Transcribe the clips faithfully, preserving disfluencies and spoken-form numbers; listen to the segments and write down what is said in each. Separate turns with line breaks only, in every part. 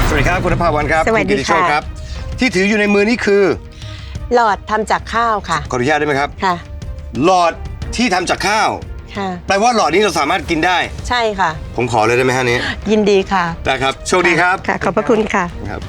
สวัสดีครับคุณณภาวันครับ
สวัสดีค่ะ
ครับที่ถืออยู่ในมือนี่คือ
หลอดทำจากข้าวค่ะ
ขออนุญาตได้ไหมครับ
ค่ะ
หลอดที่ทำจากข้าว
ค่ะ
แปลว่าหลอดนี้เราสามารถกินได้
ใช่ค่ะ
ผมขอเลยได้ไหมฮะนี้
ยินดีค่ะ
ได้ครับโชคดีครับ
ค่ะ ขอบพระคุณค่ะ
ครับ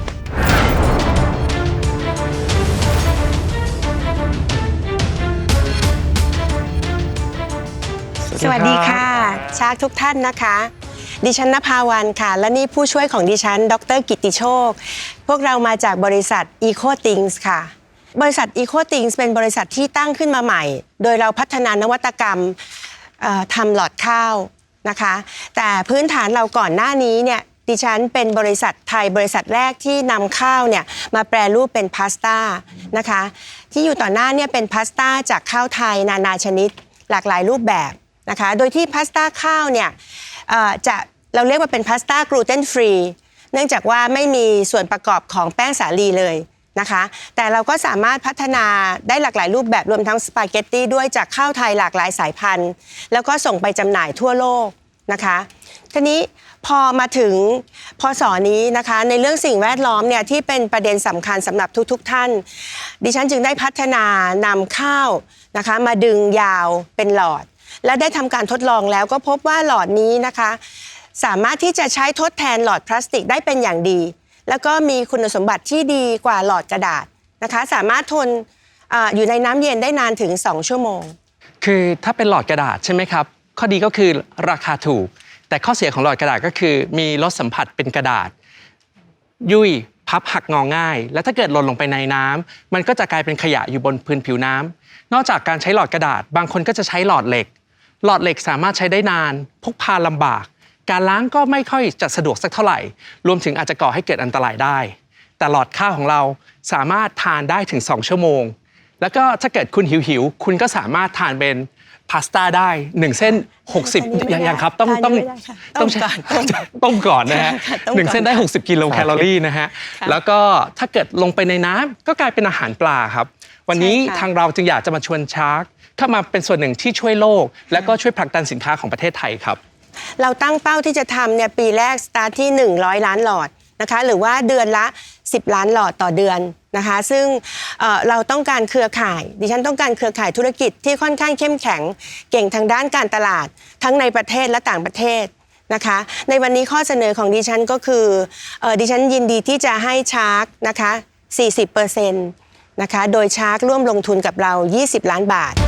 สวัสดีค่ะชากทุกท่านนะคะ ดิฉันณภาวันค่ะ และนี่ผู้ช่วยของดิฉันดรกิตติโชค พวกเรามาจากบริษัท EcoThings ค่ะ บริษัท EcoThings เป็นบริษัทที่ตั้งขึ้นมาใหม่ โดยเราพัฒนานวัตกรรมเอ่อทำหลอดข้าวนะคะ แต่พื้นฐานเราก่อนหน้านี้เนี่ยดิฉันเป็นบริษัทไทยบริษัทแรกที่นำข้าวเนี่ยมาแปรรูปเป็นพาสต้านะคะที่อยู่ต่อหน้าเนี่ยเป็นพาสต้าจากข้าวไทยนานาชนิดหลากหลายรูปแบบนะคะโดยที่พาสต้าข้าวเนี่ยเอ่อจะเราเรียกว่าเป็นพาสต้ากลูเตนฟรีเนื่องจากว่าไม่มีส่วนประกอบของแป้งสาลีเลยนะคะแต่เราก็สามารถพัฒนาได้หลากหลายรูปแบบรวมทั้งสปาเกตตี้ด้วยจากข้าวไทยหลากหลายสายพันธุ์แล้วก็ส่งไปจำหน่ายทั่วโลกนะคะทีนี้พอมาถึงพศนี้นะคะในเรื่องสิ่งแวดล้อมเนี่ยที่เป็นประเด็นสำคัญสำหรับทุกๆท่านดิฉันจึงได้พัฒนานำข้าวนะคะมาดึงยาวเป็นหลอดและได้ทำการทดลองแล้วก็พบว่าหลอดนี้นะคะสามารถที่จะใช้ทดแทนหลอดพลาสติกได้เป็นอย่างดีแล้วก็มีคุณสมบัติที่ดีกว่าหลอดกระดาษนะคะสามารถทน อ, อยู่ในน้ำเย็นได้นานถึงสองชั่วโมง
คือถ้าเป็นหลอดกระดาษใช่ไหมครับข้อดีก็คือราคาถูกแต่ข้อเสียของหลอดกระดาษก็คือมีรสสัมผัสเป็นกระดาษยุ่ยพับหักงอง่ายและถ้าเกิดหล่นลงไปในน้ำมันก็จะกลายเป็นขยะอยู่บนพื้นผิวน้ำนอกจากการใช้หลอดกระดาษบางคนก็จะใช้หลอดเหล็กหลอดเหล็กสามารถใช้ได้นานพกพาลำบากการล้างก็ไม่ค่อยจะสะดวกสักเท่าไหร่รวมถึงอาจจะก่อให้เกิดอันตรายได้แต่หลอดข้าวของเราสามารถทานได้ถึงสองชั่วโมงแล้วก็ถ้าเกิดคุณหิวๆคุณก็สามารถทานเป็นพาสต้าได้หนึ่งเส้นหกสิบอย่างอย่างครับต้องต้องต้องใช้ต้มก่อนนะฮะหนึ่งเส้นได้หกสิบกิโลแคลอรี่นะฮะแล้วก็ถ้าเกิดลงไปในน้ำก็กลายเป็นอาหารปลาครับวันนี้ทางเราจึงอยากจะมาชวนชาร์กเข้ามาเป็นส่วนหนึ่งที่ช่วยโลกและก็ช่วยผลักดันสินค้าของประเทศไทยครับ
เราตั้งเป้าที่จะทำเนี่ยปีแรกสตาร์ทที่หนึ่งร้อยล้านหลอดนะคะหรือว่าเดือนละสิบล้านหลอดต่อเดือนนะคะซึ่ง เอ่อ เราต้องการเครือข่ายดิฉันต้องการเครือข่ายธุรกิจที่ค่อนข้างเข้มแข็งเก่งทางด้านการตลาดทั้งในประเทศและต่างประเทศนะคะในวันนี้ข้อเสนอของดิฉันก็คือเอ่อดิฉันยินดีที่จะให้ชาร์กนะคะ สี่สิบเปอร์เซ็นต์ นะคะโดยชาร์กร่วมลงทุนกับเรายี่สิบล้านบาท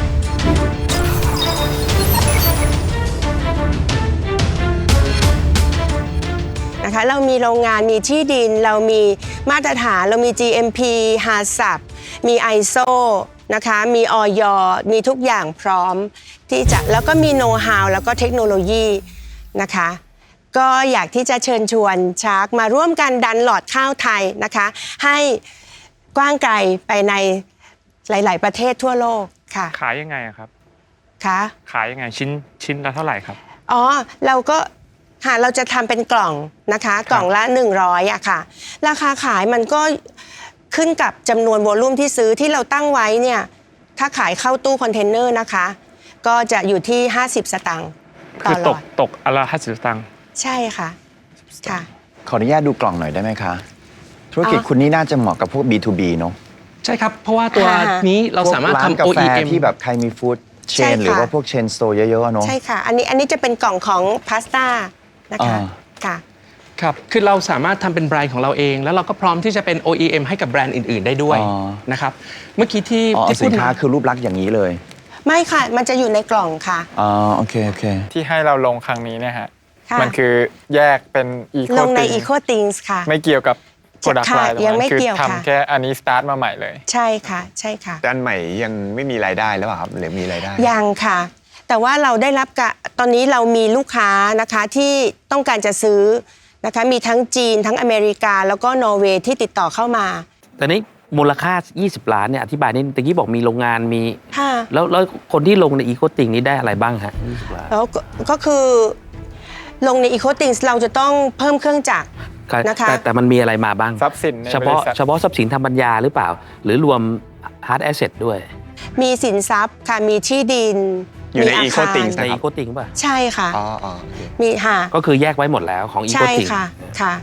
นะคะเรามีโรงงานมีที่ดินเรามีมาตรฐานเรามี จี เอ็ม พี ฮาซับ มี ไอ เอส โอ นะคะมีอย.มีทุกอย่างพร้อมที่จะแล้วก็มีโน้ตฮาวแล้วก็เทคโนโลยีนะคะก็อยากที่จะเชิญชวนชาร์กมาร่วมกันดันหลอดข้าวไทยนะคะให้กว้างไกลไปในหลายๆประเทศทั่วโลกค่ะ
ขายยังไงครับ
คะ
ขายยังไงชิ้นชิ้นละเท่าไหร่ครับ
อ๋อเราก็ค่ะเราจะทำเป็นกล่องนะคะกล่องละหนึ่งร้อยอะค่ะราคาขายมันก็ขึ้นกับจำนวนโวลุ่มที่ซื้อที่เราตั้งไว้เนี่ยถ้าขายเข้าตู้คอนเทนเนอร์นะคะก็จะอยู่ที่ห้าสิบสตางค์ต่อหลอด
คือตกตกอันละห้าสิบสตางค์
ใช่ค่ะค่ะ
ขออนุญาตดูกล่องหน่อยได้ไหมคะธุรกิจคุณนี่น่าจะเหมาะกับพวก บี ทู บี เนอะ
ใช่ครับเพราะว่าตัวนี้เราสามารถทำ
กา
โอ
แฟ
อี เอ็ม
ที่แบบใครมีฟู้ดเชนหรือว่าพวกเชนสโตร์เยอะๆเนอะ
ใช่ค่ะอันนี้อันนี้จะเป็นกล่องของพาสต้านะคะค่ะ
ครับคือเราสามารถทำเป็นแบรนด์ของเราเองแล้วเราก็พร้อมที่จะเป็น โอ อี เอ็ม ให้กับแบรนด์อื่นๆได้ด้วยนะครับเมื่อกี้ที่
ที่สินค้าคือรูปลักษณ์อย่างนี้เลย
ไม่ค่ะมันจะอยู่ในกล่องค่ะ
อ๋อโอเคโอเค
ที่ให้เราลงครั้งนี้เนี่ยฮะมันคือแยกเป็นอีโค
ลงใน EcoThings ค่ะ
ไม่เกี่ยวกับโปรดักต์ไลน์
ยังไม่เกี่ยว
ค่ะคือทำแค่อันนี้สตาร์ทมาใหม่เลย
ใช่ค่ะใช่ค่ะ
แต่อันใหม่ยังไม่มีรายได้แล้วครับหรือมีรายได้
ยังค่ะแต่ว่าเราได้รับกะตอนนี้เรามีลูกค้านะคะที่ต้องการจะซื้อนะคะมีทั้งจีนทั้งอเมริกาแล้วก็นอร์เวย์ที่ติดต่อเข้ามา
แต่นี้มูลค่ายี่สิบล้านเนี่ยอธิบายนิดตะกี้บอกมีโรงงานมี
ค่ะ
แล้วแล้วคนที่ลงในอีโคติงนี้ได้อะไรบ้างฮะยี่สิบล้าน
แล้วก็คือลงในอีโคติงเราจะต้องเพิ่มเครื่องจักรนะคะ
แต่แต่มันมีอะไรมาบ้าง
ทรัพย์สิน
เฉพาะเฉพาะทรัพย์สินทางปัญญาหรือเปล่าหรือรวมฮาร์ดแอสเซทด้วย
มีสินทรัพย์ค่ะมีที่ดิน
อยู่ในอีโคติง
ในอีโคติงป่ะ
ใช่ค่ะ
อ๋อ
มีค่ะ
ก็คือแยกไว้หมดแล้วของอีโคติง
ใช่ค่ะค่ะ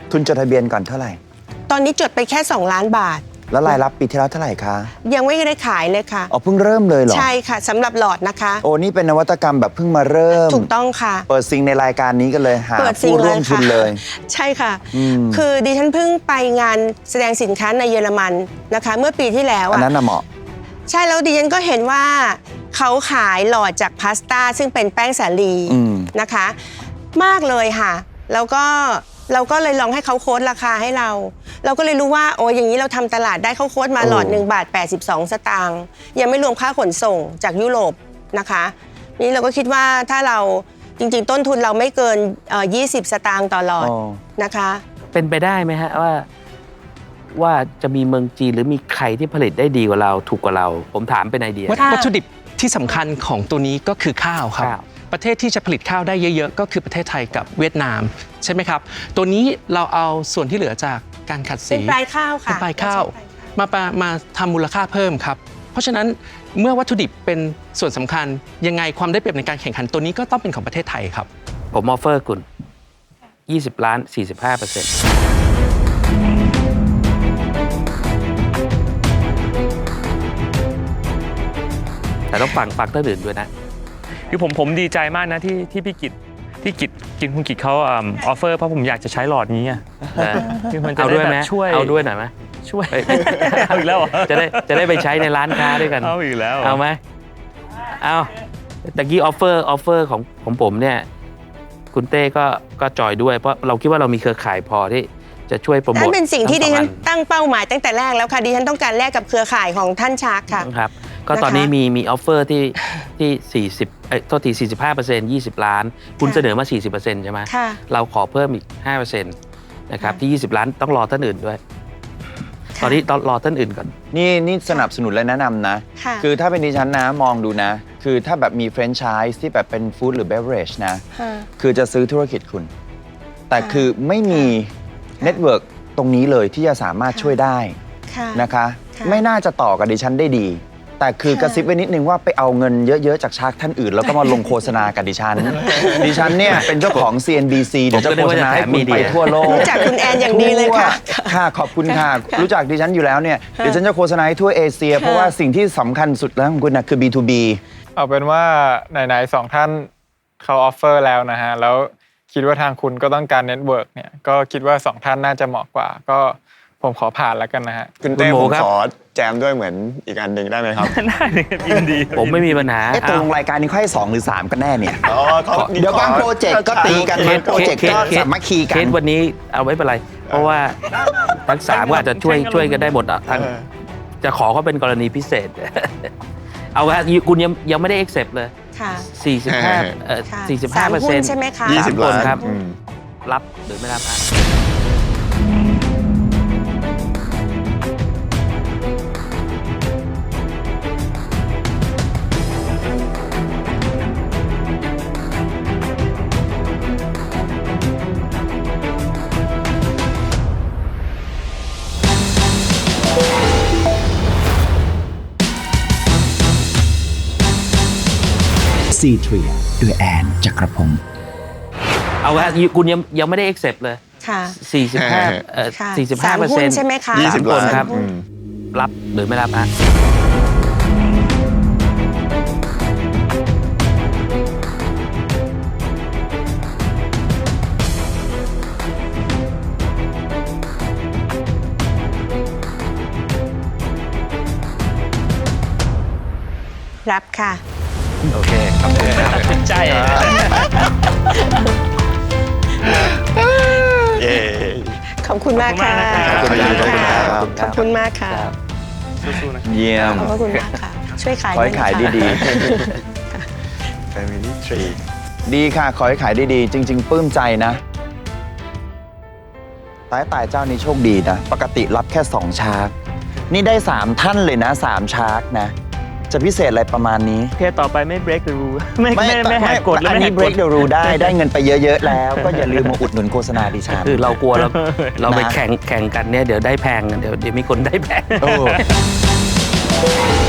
ทุนจดทะเบียนก่อนเท่าไหร่
ตอนนี้จดไปแค่สองล้านบาท
แล้วรายรับปีที่แล้วเท่าไหร่คะ
ยังไม่ได้ขายเลยค่ะ
อ๋อเพิ่งเริ่มเลยเหรอ
ใช่ค่ะสำหรับหลอดนะคะ
โอ้นี่เป็นนวัตกรรมแบบเพิ่งมาเริ่ม
ถูกต้องค่ะ
เปิดซิงในรายการนี้กันเลยหา
เปิดซิง
ผู้
เล
ร่วย มทุ
ค่ะ
นเลย
ใช่ค่ะ
อืม
คือดิฉันเพิ่งไปงานแสดงสินค้าในเยอรมันนะคะ เมื่อปีที่แล้ว
อัน
อะ
นั้นน่ะเหมาะ
ใช่แล้วดิฉันก็เห็นว่าเขาขายหลอดจากพาสต้าซึ่งเป็นแป้งสาลี
อืม
นะคะ มากเลยค่ะ แล้วก็เราก็เลยลองให้เขาโค้ดราคาให้เรา เราก็เลยรู้ว่าโอ้ยอย่างนี้เราทำตลาดได้เขาโค้ดมาหลอดหนึ่งบาทแปดสิบสองสตางค์ยังไม่รวมค่าขนส่งจากยุโรปนะคะนี่เราก็คิดว่าถ้าเราจริงๆต้นทุนเราไม่เกินเอ่อยี่สิบสตางค์ต่อหลอด
อ๋อ
นะคะ
เป็นไปได้ไหมฮะว่า ว่าจะมีเมืองจีนหรือมีใครที่ผลิตได้ดีกว่าเราถูกกว่าเรา ผมถามเป็นไอเดีย
วัต
ค่ะ
วัตถุดิบที่สำคัญของตัวนี้ก็คือข้าวครับ
ข้าว
ประเทศที่จะผลิตข้าวได้เยอะๆ ก็คือประเทศไทยกับเวียดนามใช่ไหมครับ ตัวนี้เราเอาส่วนที่เหลือจากการขัด
เป็น
สี
ปลายข้าวค่ะ
เป็นปลายข้าว
ใช่ปลายข้าว
มาปะมาทำมูลค่าเพิ่มครับ เพราะฉะนั้นเมื่อวัตถุดิบเป็นส่วนสำคัญยังไงความได้เปรียบในการแข่งขันตัวนี้ก็ต้องเป็นของประเทศไทยครับ
ผมออฟเฟอร์คุณ ยี่สิบ ล้าน สี่สิบห้าเปอร์เซ็นต์ แต่ต้องฟังฟังท่านอื่นด้วยนะ
คือผมผมดีใจมากนะที่ที่พี่กิตที่กิตกินคุณกิตเขาออฟเฟอร์เพราะผมอยากจะใช้หลอดนี้อะ
เออ
คือมันจะ
เอา
ได้
ด้วย
แบ
ไหม
บช่วย
เอาด้วยหน่อยไหม
ช่วย
เอ้ย
เอาอีกแล้วเหรอ
จะได้จะได้ไปใช้ในร้านค้าด้วยกัน
เอาอีกแล้วเหรอ
เอาไหมเอาตะกี้ออฟเฟอร์ออฟเฟอร์ของของผมเนี่ย คุณเต้ก็ก็จอยด้วย เพราะเราคิดว่าเรามีเครือข่ายพอที่จะช่วยโปรโมท
นั่นเป็นสิ่งที่ดิฉัน
ทั้งสอ
ตั้งเป้าหมายตั้งแต่แรกแล้วค่ะดิฉันต้องการแลกกับเครือข่ายของท่านชาร์กค่ะ
อันครับ ก็ตอนนี้มีมีออฟเฟอร์ที่ที่ 40เอ้ยโทษที สี่สิบห้าเปอร์เซ็นต์ ยี่สิบ ล้าน คุณ
ค่ะ
เสนอมา สี่สิบเปอร์เซ็นต์ ใช่ไหม
ค่ะ
เราขอเพิ่มอีก ห้าเปอร์เซ็นต์ นะครับ
ค่ะ
ที่ ยี่สิบ ล้านต้องรอท่านอื่นด้วย
ค่ะ
ตอนนี้ต้องรอท่านอื่นก่อน
นี่นี่สนับสนุนและแนะนำนะ
ค่ะ
คือถ้าเป็นดิฉันนะมองดูนะ คือถ้าแบบมีแฟรนไชส์ที่แบบเป็นฟู้ดหรือเบเวอเรจนะ
ค่ะ
คือจะซื้อธุรกิจคุณ แต่
ค่ะ
คือไม่มี
ค่ะ
เน็ตเวิร์กตรงนี้เลยที่จะสามารถ
ค่ะ
ช่วยได้
ค่ะ
นะคะ
ค่ะ
ไม่น่าจะต่อกับดิฉันได้ดี แต่คือ
ค่ะ
กระซิบไว้นิดนึงว่าไปเอาเงินเยอะๆจากชาร์กท่านอื่น แล้วก็มาลงโฆษณากับดิฉัน ดิฉันเนี่ยเป็นเจ้าของ ซี เอ็น บี ซี เดี๋ยวจะโฆษณาให้คุณไปทั่วโลก
รู้จักคุณแอนอย่างดีเลยค่ะ
ทั่วค่ะขอบคุณค่ะ
ค่ะ
รู้จักดิฉันอยู่แล้วเนี่ยเดี๋ยวฉันจะโฆษณาให้ทั่วเอเชีย เพราะว่าสิ่งที่สำคัญสุดแล้วของคุณนะคือ บี ทู บี
เอาเป็นว่าไหนๆสองท่านเขาออฟเฟอร์แล้วนะฮะแล้วคิดว่าทางคุณก็ต้องการเน็ตเวิร์กเนี่ยก็คิดว่าสองท่านน่าจะเหมาะกว่า ก็ผมขอผ่านแล้วกันนะฮะ
คุณเต้
คุณโม
ผม
ครับ
ขอแจมด้วยเหมือนอีกอันหนึ่งได้ไหมครับ
ได้เลยยินดี
ผมไม่มีปัญหา
เอ๊ะตกลงรายการนี้ค่อยสองหรือสามกันแน่เนี่ย
อ๋อเขา
เดี๋ยวบางโปรเจกต์ก็ตีกัน
เค
บาง
ส
โปรเจกต์ก็
เคส
สามัคคีกั
เคน สวันนี้เอาไว้เป็นไร เพราะว่าทั้งสามก็อาจจะช่วยช่วยกันได้หมดอ่ะทั้ง
เออ
จะขอเขาเป็นกรณีพิเศษ เอาว่าคุณยังยังไม่ได้ accept เลย
ค่ะ
สี่สิบห้าเอ่อ
ค่ะ
สี่สิบห้าเปอร์
สามหุ้
เซ็น
น
ต์
ใช่ไหมคะ
ยี่สิบ
คน
ล้าน
ครับ
อืม
รับหรือไม่รับฮะ
ซีเทรียโดยแอนจักรพงศ์
เอาว่าคุณยังยังไม่ได้ accept เลย
ค่ะ
สี่สิบห้าเอ่อ
ค่ะ
สี่สิบห้า
สาม
เปอร์
หุ้
เซ็น
น
ต์
ใช่ไหมคะ
ยี่สิบ
คน
ล้าน
ครับ
อืม
รับหรือไม่รับฮะ
รับค่ะ
โอเคครับตัดสินใจ
เย้
ขอบคุณมากค่ะ
ขอบคุณมากนะครับ
ขอบคุณมากค่ะ
สู้ๆนะ
เยี่ยม
ขอบคุณมากค่ะ ช่วยขาย
ขอให้ขาย
ด้วยนะคะ
ดี
Family Tree
ๆ ดีค่ะ ขอให้ขายดีๆ จริง ๆ ปลื้มใจนะตายตายเจ้านี้โชคดีนะ ปกติรับแค่สองชาร์กนี่ได้สามท่านเลยนะสามชาร์กนะ จะพิเศษอะไรประมาณนี้
โอเคต่อไปไม่ break the rule ไม่ไม่ไม่แหกกฎแล้ว
อัน
ไม่แห
นี้
กก
break
ฎ
the rule ได้ ได้เงินไปเยอะๆแล้ว ก็อย่าลืมมาอุดหนุนโฆษณาดิฉัน
คือเรากลัวเราเราไป
นะ
แข่งแข่งกันเนี่ยเดี๋ยวได้แพงเดี๋ยวเดี๋ยวมีคนได้แพง
โอ้